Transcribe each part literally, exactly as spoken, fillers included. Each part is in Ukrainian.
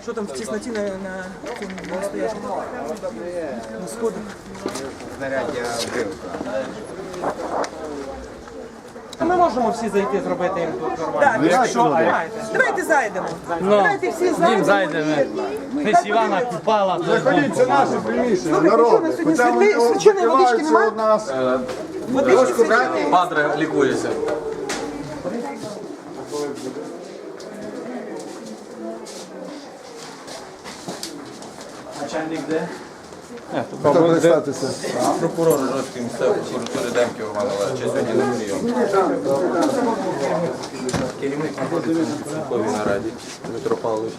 Що там в тісноті на, на, на стояшку? На сходах? Знаряддя вбивка. Ми можемо всі зайти, зробити їм тут нормально. Так, Ну, якщо, давайте зайдемо. Давайте всі зайдемо. зайдемо. і- Десь Івана Купала. Заходіть, це наше приміщення, Слухайте, що народ. на сьогодні святий- свяченої водички нема? у нас. Водички свяченої. Падре лікується. Начальник де? Хто представтеся? Прокурор Жорстської місцевої прокуратури Демків Роман Олегович сьогодні на прийом. Керівник знаходиться на підсумковій нараді Дмитро Павлович.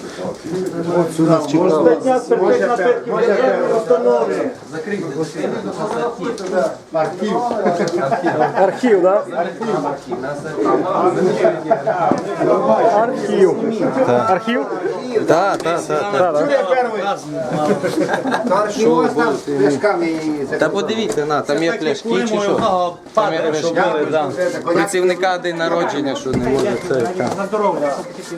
Закрийте Архів. Архів, так? Архів. Архів? Так, так, так. Що у вас там з пляшками і Та подивіться, на, там є пляшки чи що? Там є пляшки. Працівника день народження, що не може це. За здоров'я.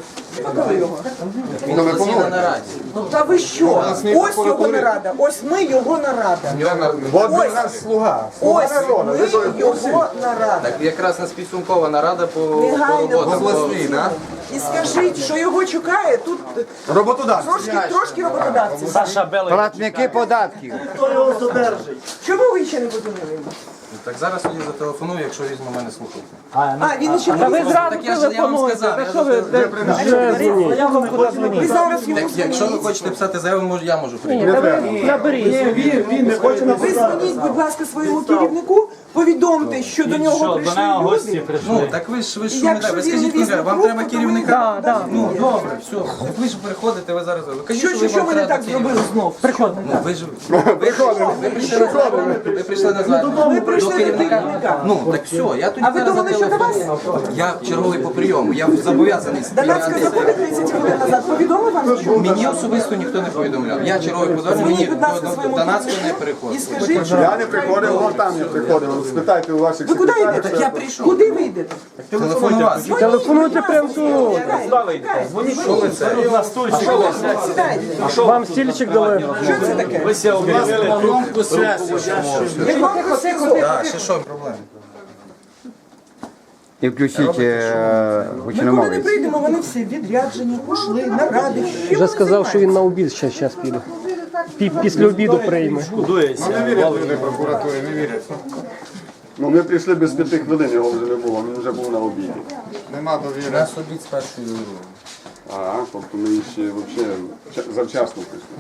Він постійно на нараді. Та ви що? Ось його нарада. Ось ми його нарада. От він у нас слуга. Ось ми його нарада. Так якраз на підсумкова нарада по, по Негайно роботам. обласний, да? І скажіть, що його чекає тут Роботодавці. трошки, трошки роботодавців. Саша Белий. платники податків. Чому ви ще не подзвонили йому? Так зараз тоді зателефоную, якщо візьме мене слухати. А, він ще Та ви не зразу Так я ж я вам телефонуєте. сказав. Та я що ж- ви? де- Я вам куди Ви дзвонити? зараз йому Так, якщо ви дзвоніть. хочете писати заяву, може, я можу прийняти. Наберіть. Ви дзвоніть, будь ласка, своєму керівнику, повідомте, що до нього Що, до прийшли нього гості люди. Ну, прийшли. так ви ж ви ж І що не якщо так? Ви він скажіть, не Ігор, вам візьме треба трубку, керівника. то ми- Ну, добре, все. Так ви ж приходите, ви зараз. Ви кажіть, Що, що, ви що вам ми не треба так керівника. зробили знов? Приходимо. Ну, ви ж ви прийшли, ви прийшли на звернення, ви прийшли на звернення. Ми прийшли До до керівника. керівника. Ну, так все, я тоді А ви зараз думали, що до вас? зателефоную. Я черговий по прийому, я зобов'язаний Донецька сприйняти. заходить тридцять хвилин назад. Повідомив вам нічого? Мені особисто ніхто не повідомляв. Я черговий подзвонив, мені Дзвоніть, будь ласка, до своєму Донецька не керівнику і переходить. скажіть, що... Я не приходив, вон там не приходив. Спитайте у ваших Ви куди секретарів. йдете? Так я прийшов. Куди ви йдете? Телефонувати. Телефонуйте прямо тут. Що ви це? Сідайте. Вам стільчик дали. Що це таке? Так, ще що проблеми? І включіть е, Ми коли не гучномовець. прийдемо, вони всі відряджені, пішли, наради. Чим Вже вони сказав, що він займаються? на обід ще зараз піде. Пі- Після обіду прийме. Ну, не вірять люди прокуратури, не вірять. Ну, ми прийшли без п'яти хвилин, його вже не було, він вже був на обіді. Нема довіри. Нас обід з першої другої. А, тобто ми ще взагалі ча- завчасно прийшли.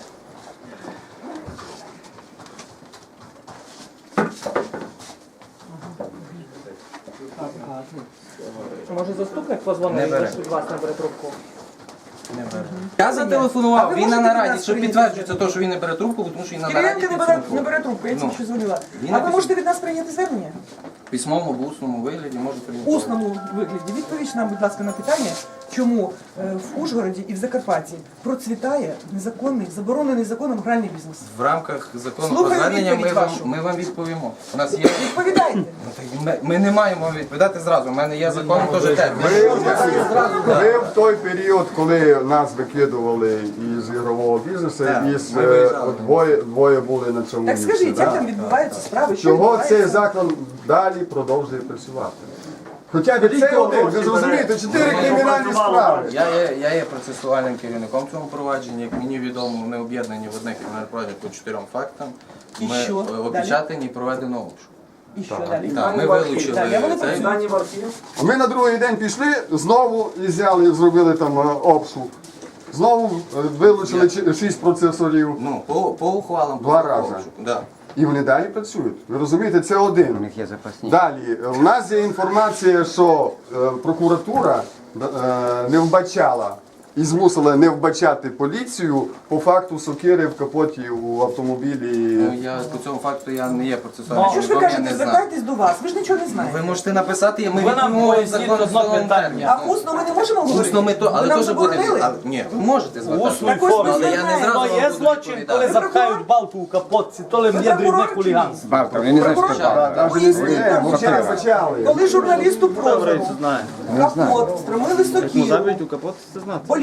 Може заступник позвонив, якщо від вас не бере трубку? Я А зателефонував, ви він на можете нараді, нас що прийняти? підтверджується те, що він не бере трубку, тому що він на нараді Кириленко не бере, не підсумково. бере трубку, я Ну. тільки що дзвонила. Він А ви написав. можете від нас прийняти звернення? В письмовому або усному вигляді може В прийняти. усному вигляді. Відповідь нам, будь ласка, на питання, чому е, в Ужгороді і в Закарпатті процвітає незаконний, заборонений законом гральний бізнес. В рамках закону про Слухаю звернення ми відповідь вам, вашу. ми вам відповімо. У нас є... Відповідайте. Ну, так ми, ми не маємо вам відповідати зразу, у мене є закон теж термін. Ми в той період, коли нас викидували із ігрового бізнесу, Так, із ми е, виїжджали. двоє, двоє були на цьому Так місці. скажіть, да? як там відбуваються справи? Що Чого відбувається? цей заклад далі продовжує працювати? Хоча б це один, ви зрозумієте, чотири кримінальні справи. Я є, я є процесуальним керівником цього провадження. Як мені відомо, ми об'єднані в одне кримінальне провадження по чотирьом фактам. І Ми що? е, опечатані і проведено обшук. І що далі? Так, ми вилучили Далі, а вони цей. працюють. А ми на другий день пішли, знову і взяли, зробили там е, обшук. Знову е, вилучили чи- шість процесорів. Ну, по, по ухвалам. Два по рази. обшуку, Да. І вони далі працюють. Ви розумієте, це У один. них є запасні. Далі, е, у нас є інформація, що е, прокуратура е, не вбачала і змусила не вбачати поліцію по факту сокири в капоті у автомобілі. Ну, я по цьому факту я не є процесуальним А що ж ви керівником, я кажете, не знаю. звертайтесь до вас, ви ж нічого не Ви знаєте. можете написати, ми Ви нам відповімо поясніть закон одно встановлений питання. термін. А усно ми не можемо говорити? Усно ми то, Ви але нам теж буде. заборонили? Але, ні, ви можете звертатися. Усною Так ось ми формі. Але я не звертаємося. зразу То вам є буду злочин, коли відповідати. запхають балку в капотці, то ли є дрібне прокурор чи хуліганство. Бавка, вони не знають, що Прокурор? таке. Поясніть Ні, нам, вчора вбачали. коли журналісту прозору капот, встромили сокиру, у капот це знати.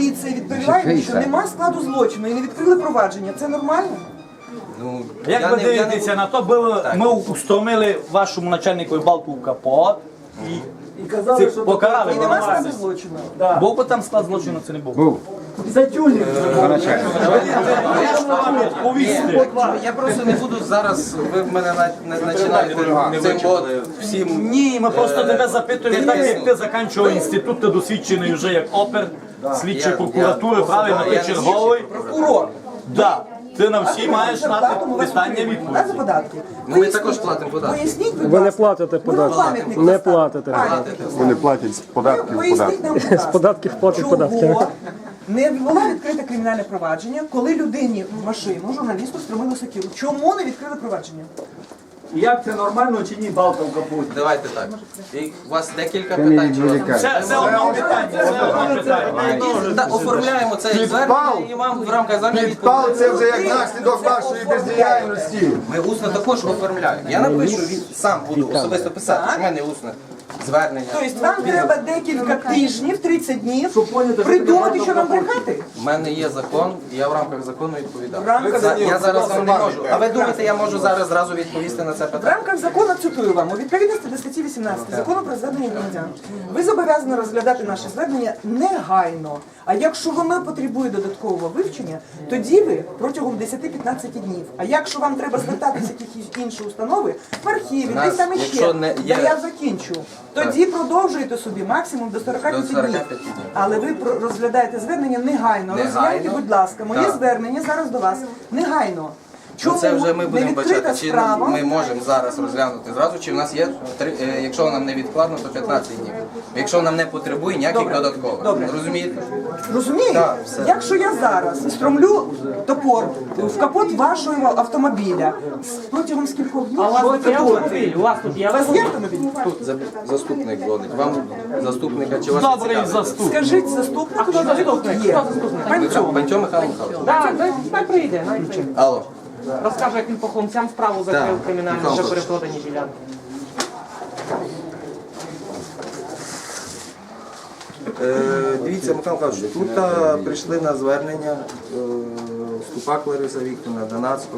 поліція відповідає, що нема складу злочину і не відкрили провадження. Це нормально? Ну, Як я ви не- я не дивитеся буду- на то, було, Так. ми устромили вашому начальнику балку в капот і, і казали, що покарали. І нема складу винуватців. злочину. Був би там склад злочину, це не був. Був. Ні, я просто не буду зараз, ви в мене на- не починаєте цим от всім. Ні, ми просто тебе запитуємо, Ти- так ти- як ти закінчував інститут, ти досвідчений вже як опер, слідчий Я- прокуратури, я- правильно, я ти не черговий. Прокурор. Да. Ти на всі маєш Зарплату знати у вас питання отримують, відповіді. да, за податки. Ну, ми також платимо податки. Поясніть, будь Ви не ласка. платите Ми вам податки. пам'ятник Не поставимо. платите. Пам'ятник. Вони платять з податків Поясніть податки. нам, будь ласка, З податків платять податки. чого не було відкрите кримінальне провадження, коли людині в машину, журналісту, стромили сокиру. Чому не відкрили провадження? Як це нормально чи ні, балка в капоті? Давайте так. І у вас декілька Це не питань. чи у вас- відволікає. Це, це одне питання, це одне питання. Так, оформляємо це Підпал. звернення і вам в рамках звернення Підпал відповідь. це вже як наслідок вашої бездіяльності. Ми усно також оформляємо. Я напишу, він сам буду особисто писати, що в мене усне звернення. Тобто вам треба декілька тижнів, тридцять днів, придумати, що нам брехати? У мене є закон, і я в рамках закону відповідаю. В рамках За- Я зараз вам не можу. А ви думаєте, я можу зараз зразу відповісти на це В питання? рамках закону, цитую вам, у відповідності до статті вісімнадцять закону про звернення громадян, ви зобов'язані розглядати наше звернення негайно. А якщо воно потребує додаткового вивчення, тоді ви протягом десяти-п'ятнадцяти днів. А якщо вам треба звертатися в якісь інші установи, в архіві, Нас, десь там іще, якщо не є- де я закінчу, тоді продовжуйте собі максимум до сорока п'яти До сорока днів. п'яти днів. Але ви про- розглядаєте звернення негайно. Негайно. Розгляньте, будь ласка, моє Так. звернення зараз до вас негайно. Ну, Чому це вже ми не будемо відкрита бачити, чи справа? ми можемо зараз розглянути зразу, чи в нас є, три- е, якщо нам не відкладно, то п'ятнадцять днів. Якщо нам не потребує ніяких Добре. додаткових. Добре. Розумієте? Розумієте? Так, все. Якщо я зараз стромлю топор в капот вашого автомобіля протягом скількох днів, А у вас що тут це є буде? автомобіль? У вас тут є У вас автомобіль? є автомобіль? За- Заступник дзвонить. Вам заступника чи вас Добрий цікавить? заступник. Скажіть заступнику, хто що ви тут заступник? є. Хто заступник? Панцьов. Пантьо Михайло Михайлович. Так, дай- хай прийде, хай прийде. Алло. Розкаже, як він по хлопцям справу закрив Так, кримінальну Михайло за Михайлович. перепродані ділянки. Е, дивіться, Михайло Михайлович, тут а, прийшли на звернення е, Ступак Лариса Вікторівна, Донацько.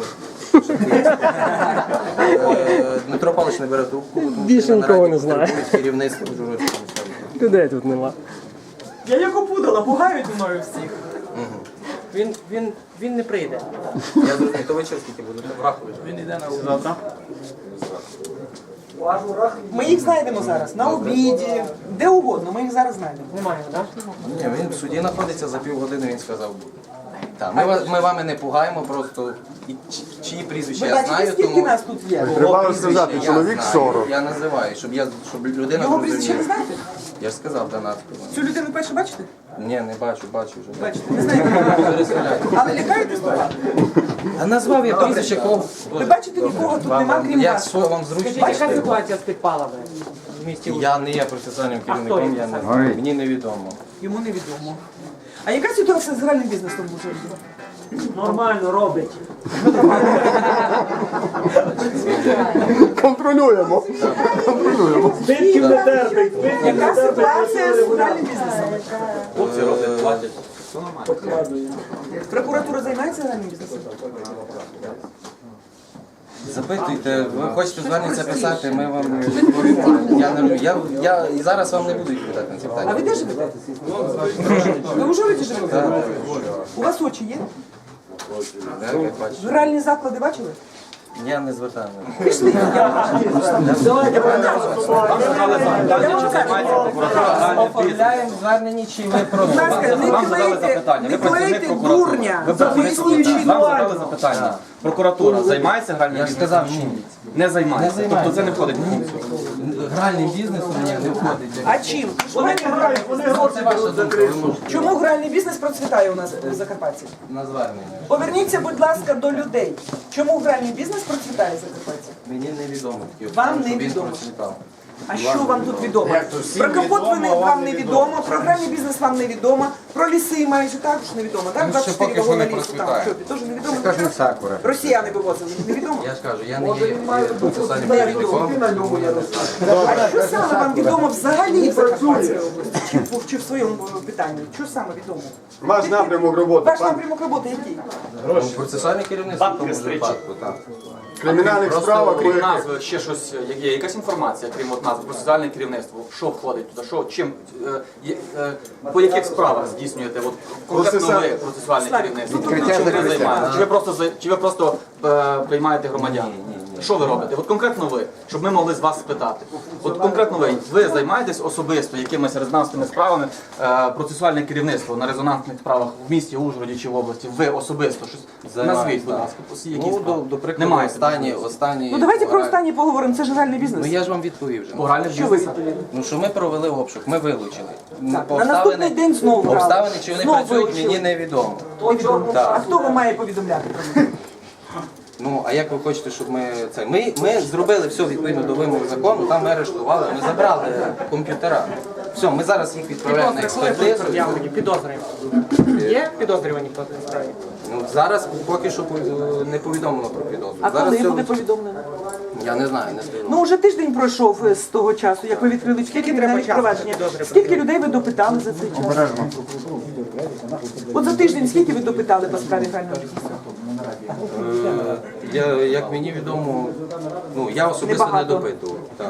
Е, Дмитро Павлович не бере трубку, тому Більше що на нікого нараді не знаю. потребують керівництво Ужгородського міського. Людей тут нема. Я як опудала, пугають мною всіх. Він, він, він не прийде. Я зрозумів, то ви через скільки будете? Враховуєте. Він йде на завтра. Ми їх знайдемо зараз на обіді, де угодно, ми їх зараз знайдемо. Немає, так? Ні, він в суді знаходиться за півгодини, він сказав буде. Так, ми, вас- ми вами не пугаємо, просто і чи- чиї прізвища Ви я бачите, знаю, скільки тому нас тут є? Треба прізвище сказати, я чоловік знаю. сорок. Я називаю, щоб я щоб людина Його прізвище не зрозуміла. знаєте? Я ж сказав Донацько. Цю людину перше бачите? Ні, не бачу, бачу вже. Бачите, не знаєте. Переселяйте. Але лякаєтесь того? А назвав я прізвище кого? Ви бачите, нікого тут Вам- нема, вам- крім Як вас. що вам зручно? Скажіть, яка ситуація з підпалами в місті Ужгород? Я не є процесуальним керівником, хто я не є? знаю. Мені невідомо. Йому невідомо. А яка ситуація з гральним бізнесом в Ужгороді? Нормально робить. Контролюємо. Збитків не терпить. Яка ситуація з гральним бізнесом? Хлопці роблять, платять. Прокуратура займається гральним бізнесом? Запитуйте, ви хочете звернення це писати, ми вам відповімо. Я, не, я, я і зараз вам не буду відповідати на ці А питання. ви де живете? Ви в Ужгороді живете? У вас очі є? Так, як бачите. Гральні заклади бачили? Я не звертаю. Пішли. Оформляємо звернення, чи ви Будь ласка, не клейте, не клейте дурня. Поясніть, чи Вам задали запитання. Прокуратура займається гральним Я ж бізнесом? сказав, ні. Не займається. Не займається. Тобто це не входить в функцію. Гральним бізнесом ні, не входить. А чим? Це ваша думка, ви можете Чому гральний бізнес процвітає у нас в Закарпатті? на звернення. Поверніться, будь ласка, до людей. Чому гральний бізнес процвітає в Закарпатті? Мені невідомо такі Вам обставини, щоб він невідомо. процвітав. А що вам тут відомо? Про капот ви не, вам не відомо, про гральний бізнес вам не відомо, про ліси майже також не відомо. Так, двадцять чотири вагона лісу там, що, теж не відомо? Це ж не сакура. Росіяни вивозили, не відомо? Я ж кажу, я не є процесуальним Не керівником. відомо. А що саме вам відомо взагалі в Закарпатській області? Чи, в- чи в своєму питанні? Що саме відомо? Ваш напрямок роботи, Ваш пан. напрямок роботи який? Процесуальне керівництво в тому випадку, так. В кримінальних Просто справах крім ви назви ще щось, як є якась інформація, крім от назви, процесуальне керівництво, що входить туди, що, чим, е, є- е, по яких справах здійснюєте, от конкретно ви Процесуальне- процесуальне керівництво, Відкриття, чим ви закриття. займаєтесь? Чи ви просто, за- чи ви просто е, приймаєте громадян? Що ви робите? От конкретно ви, щоб ми могли з вас спитати. От конкретно ви, ви займаєтесь особисто якимись резонансними справами, е, процесуальне керівництво на резонансних справах в місті Ужгороді чи в області, ви особисто щось назвіть, будь ласка, які Ну, до, справи? до прикладу, Немає. останні, останні... Ну давайте про пора- останнє поговоримо, це ж гральний бізнес. Ну я ж вам відповів вже. Моральний Що ви бізнес? відповіли? Ну що ми провели обшук, ми вилучили. Так, По на наступний день знову брали. обставини, чи вони Знову працюють, вилучили. мені невідомо. Невідомо. Так. А хто вам має повідомляти про них? Ну, а як ви хочете, щоб ми це? Ми, ми зробили все відповідно до вимог закону, там ми арештували, ми забрали комп'ютера. Все, ми зараз їх відправляємо на Підозри, коли будуть експертизу. пред'явлені? Підозри. Є підозрювані по цій справі? Ну, зараз поки що е, не повідомлено про підозру. А Зараз коли все- буде повідомлено? Я не знаю, не слідкую. Ну, вже тиждень пройшов е, з того часу, як ви відкрили скільки треба кримінальних часу провадження. для підозри Скільки людей ви допитали за цей час? От за тиждень скільки ви допитали по справі грального бізнесу? Е, Я, як мені відомо, ну, я особисто не Небагато. допитував. Так.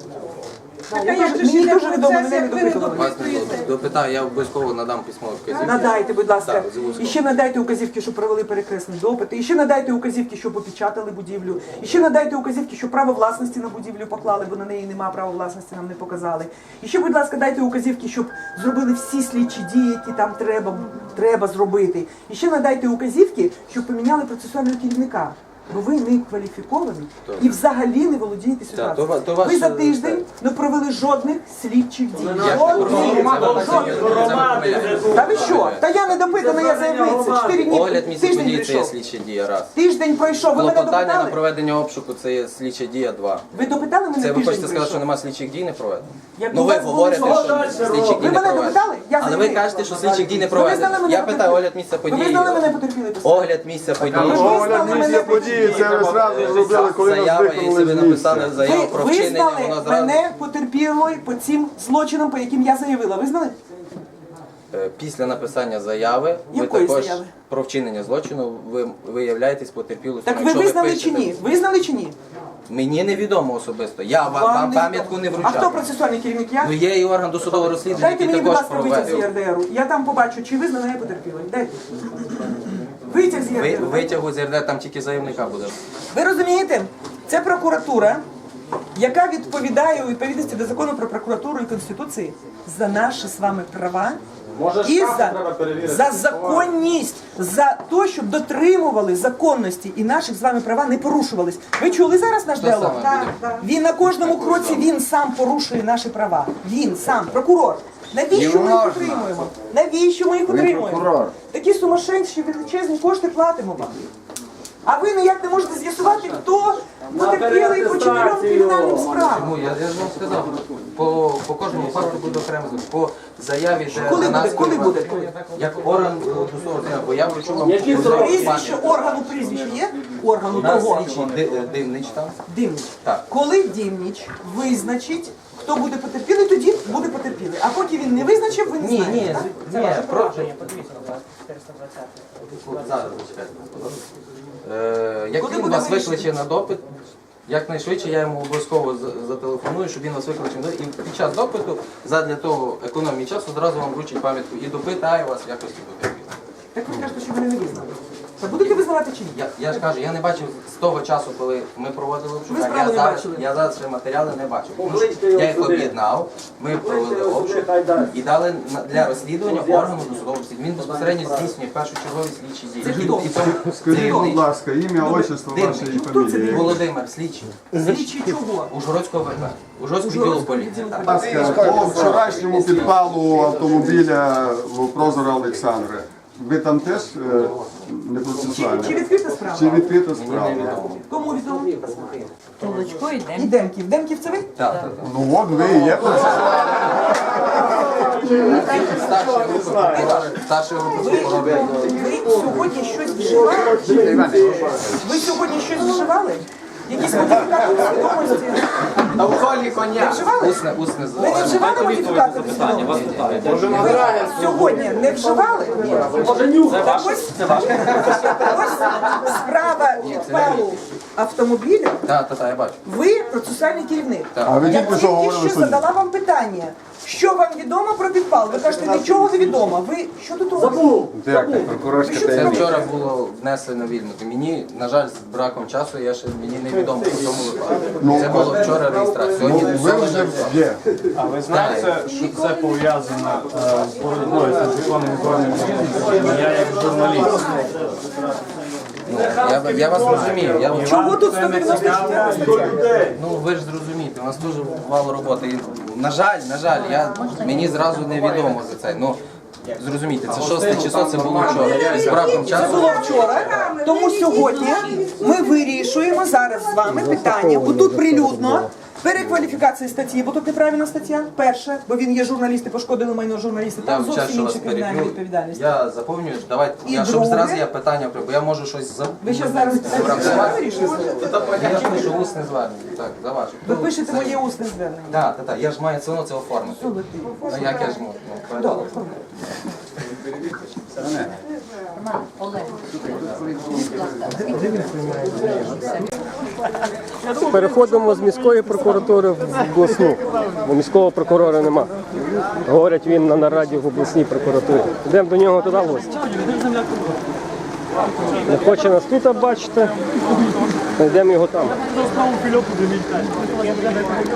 Я теж- Мені дуже відомо, мене не допитували. Вас не допитаю, я обов'язково надам письмові вказівки. Надайте, будь ласка. Так, зв'язково. І ще надайте указівки, щоб провели перекресний допит. І ще надайте указівки, щоб опечатали будівлю. І ще надайте указівки, щоб право власності на будівлю поклали, бо на неї немає права власності, нам не показали. І ще, будь ласка, дайте указівки, щоб зробили всі слідчі дії, які там треба, треба зробити. І ще надайте указівки, щоб поміняли процесуального керівника. Бо ви не кваліфіковані і взагалі не володієте Так, то ва- ситуацією. то ваш- Ви за тиждень не провели жодних слідчих дій. Я ж не Жодних. порушую, це Жодних. ви- це ви помиляєтесь. Та ви що? Та я не допитана, я заявниця. Чотири дні, Огляд місця тиждень події це є прийшов. слідча дія раз. Тиждень пройшов, ви мене Клопотання на допитали? проведення обшуку це є слідча дія два. Ви допитали мене Це ви тиждень хочете сказати, що пройшов? нема слідчих дій не проведено? Як Ну у ви вас було говорите, що? що слідчих Ви дій не мене проведено. допитали? Я Але ви заявник. кажете, що слідчих дій не Ви визнали проведено. мене Я питаю потерпілим? огляд місця Ви події. визнали мене потерпілим? Огляд місця події. огляд місця події, це ви зразу зробили, коли нас Заява, якщо виконали ви з написали місця. заяву Ви про вчинення, визнали воно зразу мене потерпілою по цим злочинам, по яким я заявила. Визнали? Е, після написання заяви, ви Якої також заяви? про вчинення злочину, ви виявляєтесь потерпілою. Так ви Якщо визнали пишете- чи ні? Визнали чи ні? Мені невідомо особисто. Я вам, Вам вам не пам'ятку не відомо. А хто вручав. процесуальний керівник? Я? Ну є і орган досудового розслідування, Дайте який мені, будь також ласка, витяг з проводив. ЄРДРу. Я там побачу, чи визнана я потерпілою. Дайте. Витяг з Ви, ЄРДРу. витягу з РД там тільки заявника буде. Ви розумієте? Це прокуратура, яка відповідає у відповідності до закону про прокуратуру і Конституції за наші з вами права і за, за законність, за те, щоб дотримували законності і наших з вами права не порушувались. Ви чули зараз наш діалог? саме буде? Він на кожному кроці він сам порушує наші права. Він сам, прокурор. Навіщо ми їх утримуємо? Навіщо ми їх утримуємо? прокурор. Такі сумасшедші величезні кошти платимо вам. А ви ніяк не можете з'ясувати, хто потерпілий по чотирьом кримінальним справам. Ну, я, я ж вам сказав, по, по кожному факту буде окремо звіт. По заяві, де Коли на нас буде? Коли керував- буде? Як орган е, досудового розслідування, бо я вручу вам Прізвище органу прізвище є? Органу У нас того. слідчий Ди- е, Дивнич там. Димніч. Так. Коли Димніч визначить, хто буде потерпілий, тоді буде потерпілий. А поки він не визначив, ви не Ні, знаєте. ні, так? ні, про... Подивіться, будь ласка, чотириста двадцять. Зараз зачекайте. Е, Як Коли він буде вас вирішено? викличе на допит, якнайшвидше я йому обов'язково за- зателефоную, щоб він вас викличе на допит. І під час допиту, задля того економії часу, зразу вам вручить пам'ятку і допитає вас в якості потерпілого. Так ви кажете, що ви не визнали. Та будете визнавати чи ні? Я, я ж кажу, я не бачив з того часу, коли ми проводили Ви обшук, а справу я не зараз, бачили? я зараз ще матеріали не бачив. Тому що я їх об'єднав, ми провели обшук і дали на- для розслідування органу досудового розслідування. Він безпосередньо здійснює першочергові слідчі дії. Це хто? І тому Скажіть, будь Дивний ласка, ім'я, отчество Дивний. ваше і Хто це фамілія. Володимир, слідчий. Слідчі чого? Ужгородського ВП. Ужгородського відділу поліції. так. Будь ласка, по вчорашньому підпалу автомобіля в Прозора Олександра. ви там теж е, не процесуальні? Чи відкрита справа? Чи відкрита справа? Кому відомо? Толочко йде. І Демків. Демків це ви? Ну от ви і є процесуальні. Старший групи Ви, прокурора. ви сьогодні щось вживали? Ви сьогодні щось вживали? Якісь модифікати свідомості? Алкоголі коня. Вживали? Усне, усне з- Ви не вживали модифікати свідомості? Ви сьогодні не вживали? Так ось, ось справа підпалу автомобіля. Так, так, так, я бачу. Ви процесуальний керівник. А ви Я тільки що тільки говорили що в суді. задала вам питання. Що вам відомо про підпал? Ви кажете, нічого не відомо. Ви що тут робите? Як так, прокурорська Ви що це Це таємниця. вчора було внесено вільно. Мені, на жаль, з браком часу, я ще мені не відомо по цьому випадку. Це було вчора реєстрація. Сьогодні Ви все вже лежить. є. А ви знаєте, що це пов'язано е, з боротьбою з незаконним збройним конфліктом? Я як журналіст. Ну, я, я вас розумію. Я, Чого тут сто дев'яносто четверта стаття? ну ви ж зрозумієте, у нас дуже мало роботи. І, на жаль, на жаль, я, мені зразу невідомо за це. Ну, зрозумійте, це шосте число, це було вчора. З браком Це часу. було вчора, тому сьогодні ми вирішуємо зараз з вами питання, бо тут прилюдно перекваліфікації статті, бо тут неправильна стаття. Перше, бо він є журналіст і пошкодили майно журналісти. Я Там вчасно зовсім вас інша кримінальна переб'ю. відповідальність. Я заповнюю, давайте, І я, щоб друге? зразу я питання, бо я можу щось за... Ви ще зараз питання вирішуєте? Я пишу усне звернення. Так, за ваше. Ви пишете моє усне звернення. Так, так, так, я ж маю все одно це оформити. А як я ж можу? Ну, Добре. Роман, Олег. Переходимо з міської прокуратури в обласну, бо міського прокурора нема. Говорять, він на нараді в обласній прокуратурі. Йдемо до нього туди в гості. Не хоче нас тут бачити, знайдемо його там.